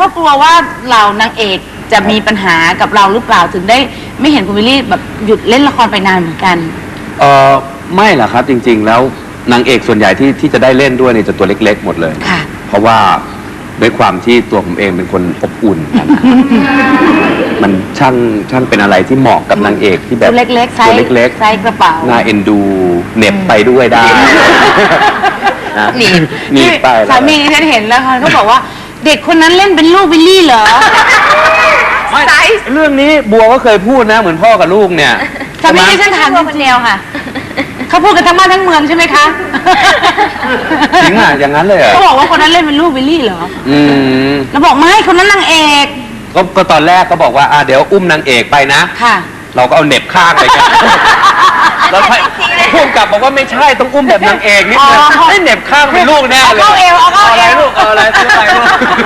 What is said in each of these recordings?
ราะกลัวว่าเหล่านางเอกจะมีปัญหากับเราหรือเปล่าถึงได้ไม่เห็นคุณวิลลี่แบบหยุดเล่นละครไปนานเหมือนกันไม่หรอกครับจริงๆแล้วนางเอกส่วนใหญ่ที่จะได้เล่นด้วยเนี่ยจะตัวเล็กๆหมดเลยค่ะเพราะว่าด้วยความที่ตัวผมเองเป็นคนอบอุ่นมันช่างเป็นอะไรที่เหมาะกับนางเอกที่แบบตัวเล็กๆตัวเล็กๆไซส์กระเป๋าน่าเอ็นดูเหน็บไปด้วยได้หนีไปสามีที่ฉันเห็นแล้วเขาบอกว่าเด็กคนนั้นเล่นเป็นลูกวิลลี่เหรอไม่เรื่องนี้บัวก็เคยพูดนะเหมือนพ่อกับลูกเนี่ยสามีที่ฉันถามคนเดียวค่ะเขาพูดกันทั้งบ้านทั้งเมืองใช่ไหมคะจริงอ่ะอย่างนั้นเลยเขาบอกว่าคนนั้นเล่นเป็นลูกวิลลี่เหรอแล้วบอกไม่คนนั้นนางเอกก็ตอนแรกก็บอกว่าเดี๋ยวอุ้มนางเอกไปนะค่ะเราก็เอาเหน็บข้างไปกันแล้วพุ่งกลับบอกว่าไม่ใช่ต้องอุ้มแบบนางเอกนิดนึงให้เหน็บข้างเป็นลูกแน่เลยเอาเอวอะไรลูกอะไรซื้ออะไรลูก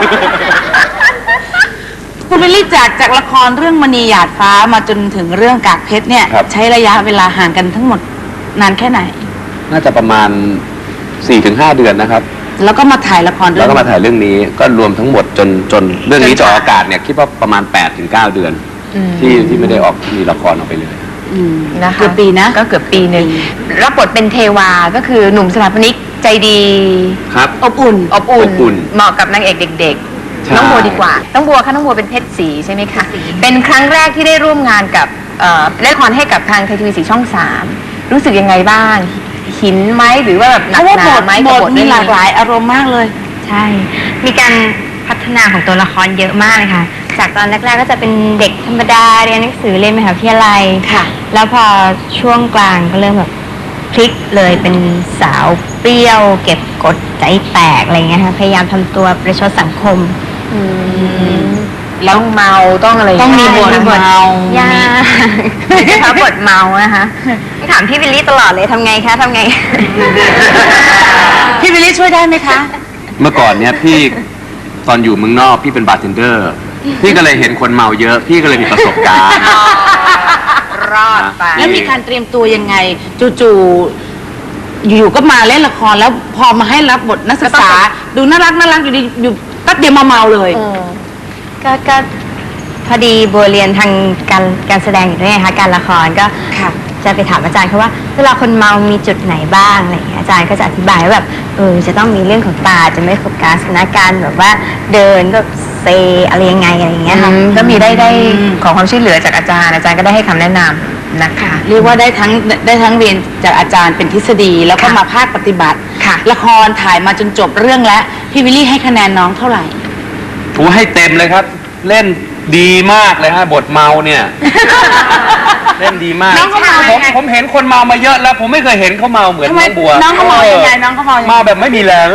คุณวิลลี่จากละครเรื่องมณีหยาดฟ้ามาจนถึงเรื่องกากเพชรเนี่ยใช้ระยะเวลาห่างกันทั้งหมดนานแค่ไหนน่าจะประมาณ 4-5 เดือนนะครับแล้วก็มาถ่ายละครแล้วก็มาถ่ายเรื่องนี้ก็รวมทั้งหมดจนเรื่องนี้จะออกอากาศเนี่ยคิดว่าประมาณ 8-9 เดือนที่ไม่ได้ออกมีละครออกไปเลยนะคะเกือบปีนะก็เกือบปีหนึ่งรับบทเป็นเทวาก็คือหนุ่มสถาปนิกใจดีครับอบอุ่นเหมาะกับนางเอกเด็กๆน้องบัวดีกว่าน้องบัวค่ะน้องบัวเป็นเพชรศรีใช่ไหมคะเป็นครั้งแรกที่ได้ร่วมงานกับเล่นละครให้กับทางไทยทีวี4 ช่อง 3รู้สึกยังไงบ้างหินไหมหรือว่าแบบหนักหนาไหมบทมีหลากหลายอารมณ์มากเลยใช่มีการพัฒนาของตัวละครเยอะมากเลยค่ะจากตอนแรกๆก็จะเป็นเด็กธรรมดาเรียนหนังสือเรียนมหาวิทยาลัยค่ะแล้วพอช่วงกลางก็เริ่มแบบพลิกเลยเป็นสาวเปรี้ยวเก็บกดใจแตกอะไรเงี้ยค่ะพยายามทำตัวประชดสังคมแล้วเมาต้องอะไรต้องมีบทเมายานะคะบทเมานะคะถามพี่วิลลี่ตลอดเลยทำไงคะทำไงพี่วิลลี่ช่วยได้ไหมคะเมื่อก่อนเนี่ยพี่ตอนอยู่เมืองนอกพี่เป็นบาร์เทนเดอร์พี่ก็เลยเห็นคนเมาเยอะพี่ก็เลยมีประสบการณ์รอดไปแล้วมีการเตรียมตัวยังไงจู่ๆอยู่ๆก็มาเล่นละครแล้วพอมาให้รับบทนักศึกษาดูน่ารักอยู่ดีอยู่แป๊บเดียวมาเมาเลยก็พอดีบัวเรียนทางการแสดงอยู่ด้วยนะคะการละครก็จะไปถามอาจารย์เขาว่าเวลาคนเมามีจุดไหนบ้างอะไรอย่างเงี้ยอาจารย์ก็จะอธิบายว่าแบบจะต้องมีเรื่องของตาจะไม่โฟกัสนะการแบบว่าเดินก็เซอะไรยังไงอะไรอย่างเงี้ยค่ะก็มีได้ขอความช่วยเหลือจากอาจารย์ก็ได้ให้คำแนะนำนะคะเรียกว่าได้ทั้งเรียนจากอาจารย์เป็นทฤษฎีแล้วก็มาภาคปฏิบัติละครถ่ายมาจนจบเรื่องแล้วพี่วิลลี่ให้คะแนนน้องเท่าไหร่ให้เต็มเลยครับเล่นดีมากเลยฮะบทเมาเนี่ยเล่นดีมากผมเห็นคนเมามาเยอะแล้วผมไม่เคยเห็นเขาเมาเหมือนน้องบัวน้องเขาเมายังไงน้องเขาเมาแบบไม่มีแรง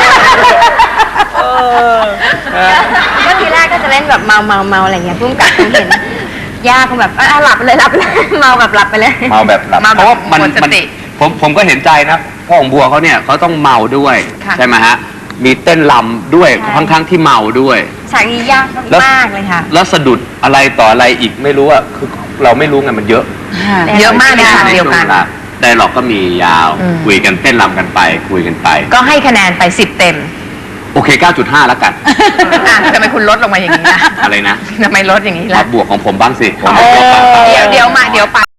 ก็ทีแรกก็จะเล่นแบบเมาอะไรเงี้ยพุ่งกับเห็นยากแบบหลับเลยเมาแบบหลับไปเลยเมาแบบหลับเพราะว่ามันผมก็เห็นใจนะพ่อของบัวเขาเนี่ยเขาต้องเมาด้วยใช่ไหมฮะมีเต้นรำด้วยทั้งที่เมาด้วยฉากนี้ยากมากเลยค่ะแล้วสะดุดอะไรต่ออะไรอีกไม่รู้อ่ะคือเราไม่รู้ไงมันเยอะมากในฉากเดียวกันได้หรอกก็มียาวคุยกันเต้นรำกันไปคุยกันไปก็ให้คะแนนไป10 เต็มโอเค 9.5 แล้วกันทำไมคุณลดลงมาอย่างนี้นะอะไรนะทำไมลดอย่างนี้ล่ะบวกของผมบ้างสิเดี๋ยวไป